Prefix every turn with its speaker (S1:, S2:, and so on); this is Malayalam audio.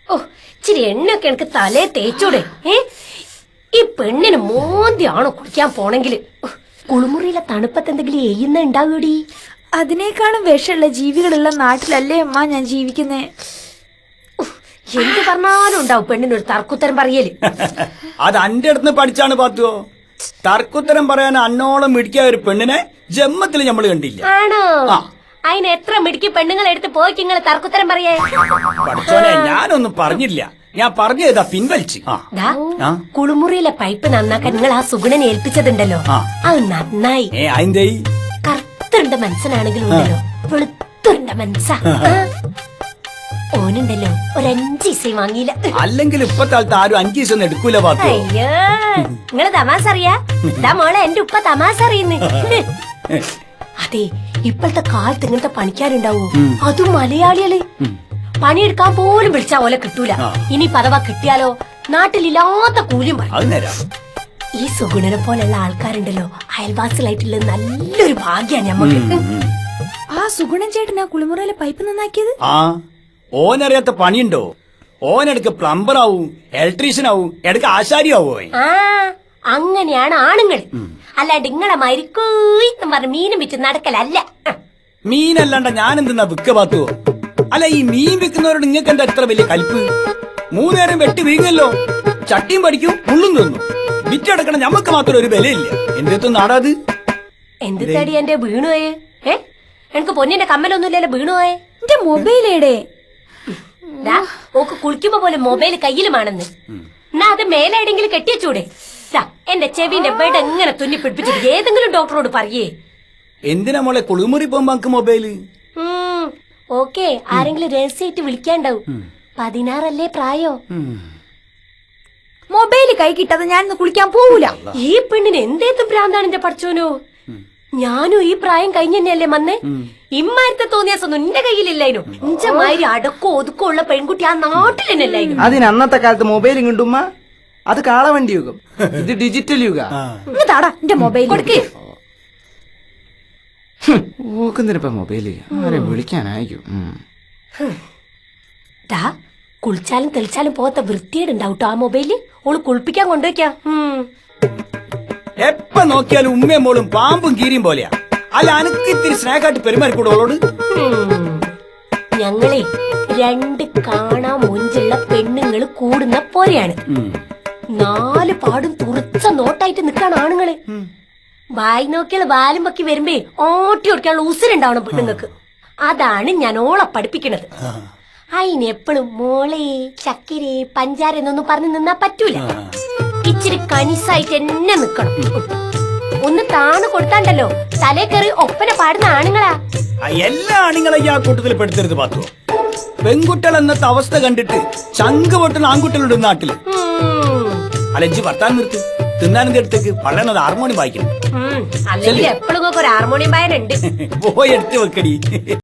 S1: ഓ ഇച്ചിരി എണ്ണയൊക്കെ എനിക്ക് തലേ തേച്ചൂടെ? ഈ പെണ്ണിന് മോന്തിയാണോ കുടിക്കാൻ പോണെങ്കില്? കുളിമുറിയിലെ തണുപ്പത്ത് എന്തെങ്കിലും എയ്യുന്ന ഉണ്ടാകൂടി?
S2: അതിനേക്കാളും വിഷമുള്ള ജീവികളുള്ള നാട്ടിലല്ലേ അമ്മ ഞാൻ ജീവിക്കുന്നേ.
S1: എന്ത് പറഞ്ഞാലും ഉണ്ടാവും പെണ്ണിനൊരു തർക്കുത്തരം പറയല്.
S3: അത് അന്റെ അടുത്ത് പഠിച്ചാണ് പാത്തുവോ. തർക്കുത്തരം പറയാൻ അന്നോളം മിടിക്കായ ഒരു പെണ്ണിനെ ജന്മത്തിൽ നമ്മൾ കണ്ടില്ല.
S1: ആണോ? അതിന് എത്ര മിടുക്കി പെണ്ണുങ്ങളെ എടുത്ത് പോയി നിങ്ങള് തർക്കുത്തരം പറയേ?
S3: പഠിച്ചോനെ, ഞാനൊന്നും പറഞ്ഞില്ല. ഞാൻ പറഞ്ഞതാ പിൻവലിച്ച്.
S1: കുളിമുറിയിലെ പൈപ്പ് നന്നാക്കാൻ നിങ്ങൾ ആ സുഗുണനെ ഏൽപ്പിച്ചതുണ്ടല്ലോ, അത് നന്നായി.
S3: അതിന്റെ
S1: കറുത്തുണ്ട മനസ്സനാണെങ്കിലും ഉണ്ടല്ലോ വെളുത്തുണ്ട മനസ്സാ. ഓനുണ്ടല്ലോ ഒരു 5 ദിവസം വാങ്ങിയില്ല.
S3: അല്ലെങ്കിൽ ഇപ്പത്തെ ആൾത്ത് ആരും 5 ദിവസം എടുക്കൂല പാത്തു.
S1: അയ്യോ, നിങ്ങള് തമാശ അറിയാ? ഇതാ മോളെ, എന്റെ ഉപ്പ തമാശ അറിയുന്നു. അതെ, ഇപ്പോഴത്തെ കാലത്ത് ഇങ്ങനത്തെ പണിക്കാരുണ്ടാവൂ, അതും മലയാളികള്. പണിയെടുക്കാൻ പോലും വിളിച്ചാ ഓലെ കിട്ടൂല. ഇനി പദവ കിട്ടിയാലോ നാട്ടിലില്ലാത്ത കൂലിയും പറയും. ഈ സുഗുണനെ പോലുള്ള ആൾക്കാരുണ്ടല്ലോ അയൽവാസികളായിട്ടുള്ളത് നല്ലൊരു ഭാഗ്യാണ് ഞമ്മക്ക്.
S2: ആ സുഗുണൻ ചേട്ടനാ കുളിമുറിയിലെ പൈപ്പ് നന്നാക്കിയത്?
S3: ഓനറിയാത്ത പണിയുണ്ടോ? ഓനെടുക്ക് പ്ലംബർ ആവും, ഇലക്ട്രീഷ്യൻ ആവും, എടുക്ക ആശാരി ആവോ.
S1: അങ്ങനെയാണ് ആണുങ്ങൾ. അല്ലാണ്ട് ഇങ്ങളെ മരിക്കൂന്ന് പറഞ്ഞ് മീനും വിറ്റ് നടക്കലല്ല.
S3: മീനല്ലാണ്ട ഞാൻ എന്തെന്നാ വിക്ക പാത്തുവോ? അല്ല, ഈ മീൻ വിൽക്കുന്നവരോട് നിങ്ങൾക്ക് എന്താ എത്ര വലിയ കൽപ്പ്? 3 നേരം വെട്ടി വീങ്ങല്ലോ, ചട്ടിയും പഠിക്കും, ഉള്ളും തിന്നു. വിറ്റെടുക്കണം ഞമ്മക്ക് മാത്രം ഒരു വിലയില്ല. എന്തെത്തും നാടാത്?
S1: എന്ത് തടി എന്റെ വീണുപോയേ? എനിക്ക് പൊന്നിന്റെ കമ്മലൊന്നുമില്ലല്ലോ വീണുപോയേ.
S2: എന്റെ മൊബൈലേടെ
S1: ഓക്ക് കുളിക്കുമ്പോ പോലെ മൊബൈൽ കയ്യിലുമാണെന്ന്. എന്നാ അത് മേലെടെങ്കിലും കെട്ടിയച്ചൂടെ? എന്റെ ചെവിന്റെ ബെഡ് എങ്ങനെ തുന്നി പിടിപ്പിച്ചിട്ട് ഏതെങ്കിലും ഡോക്ടറോട് പറയേ.
S3: എന്തിനാ മോളെ കുളിമുറി പോകുമ്പോ നമുക്ക് മൊബൈല്?
S1: ഓക്കെ, ആരെങ്കിലും രഹസ്യമായിട്ട് വിളിക്കാണ്ടാവും. 16 പ്രായോ.
S2: മൊബൈല് കൈ കിട്ടാതെ ഞാൻ കുളിക്കാൻ പോവൂല.
S1: ഈ പെണ്ണിന് എന്തേത്തും ഭ്രാന്താണ് എന്റെ പഠിച്ചോനോ. ഞാനും ഈ പ്രായം കഴിഞ്ഞല്ലേ വന്നേ. ഇമ്മാരത്തെ തോന്നിയാസൊന്നും എന്റെ കയ്യിലില്ലായിരുന്നു. ഇഞ്ചമാതിരി അടക്കോ ഒതുക്കോ ഉള്ള പെൺകുട്ടി ആ നാട്ടിൽ തന്നെ അല്ലായിരുന്നു.
S4: അതിന് അന്നത്തെ കാലത്ത് മൊബൈലും കിട്ടുമ്മ. അത് കാളവണ്ടി യുഗം, ഇത് ഡിജിറ്റൽ യുഗ.
S2: താടാ എന്റെ മൊബൈൽ
S1: കൊടുക്കേ.
S4: ഓക്കുന്നിരിപ്പ മൊബൈല് ആരെ വിളിക്കാനായിരിക്കും.
S1: കുളിച്ചാലും തെളിച്ചാലും പോകാത്ത വൃത്തിയേടുണ്ടാവട്ടോ ആ മൊബൈല്. ഓള് കുളിപ്പിക്കാൻ കൊണ്ടുവയ്ക്കാം.
S3: എപ്പ നോക്കിയാലും ഉമ്മയും മോളും പാമ്പും കീരിയും പോലെയാ. അല്ല, അനക്ക് ഇത്തിരി സ്നേഹമായിട്ട് പെരുമാറിക്കൂടെ ഓളോട്?
S1: ഞങ്ങളെ 2 കാണാൻ മൊഞ്ചുള്ള പെണ്ണുങ്ങള് കൂടുന്ന പോലെയാണ്. 4 പാടും തുറച്ച നോട്ടായിട്ട് നിക്കാണ് ആണുങ്ങള്. വായി നോക്കിയാൽ വാലും പൊക്കി വരുമ്പേ ഓട്ടി ഓടിക്കാനുള്ള ഉസിരുണ്ടാവണം പെണ്ണുങ്ങൾക്ക്. അതാണ് ഞാൻ ഓളെ പഠിപ്പിക്കണത്. അതിനെപ്പോഴും മോളെ ചക്കിരി പഞ്ചാര എന്നൊന്നും പറഞ്ഞു നിന്നാ പറ്റൂല. ഇച്ചിരി കനിസായിട്ട് എന്നെ നിക്കണം. ഒന്ന് താണ് കൊടുത്താണ്ടല്ലോ തലേ കയറി ഒപ്പന പാടുന്ന ആണുങ്ങളാ.
S3: എല്ലാ ആണുങ്ങളെ ആ കൂട്ടത്തിൽ പെടുത്തരുത് പാത്തു. പെൺകുട്ടികൾ എന്നത്തെ അവസ്ഥ കണ്ടിട്ട് ചങ്ക് പൊട്ടുന്ന ആൺകുട്ടികളുടെ നാട്ടില്. അലഞ്ചി വർത്താൻ നിർത്ത്. തിന്നാനെന്ത് അടുത്തേക്ക് പറയുന്നത് ഹാർമോണിയം വായിക്കണം.
S1: അല്ലെങ്കിൽ എപ്പോഴും ഒരു ഹാർമോണിയം വായനുണ്ട്.
S3: പോയി എടുത്ത് വെക്കടി.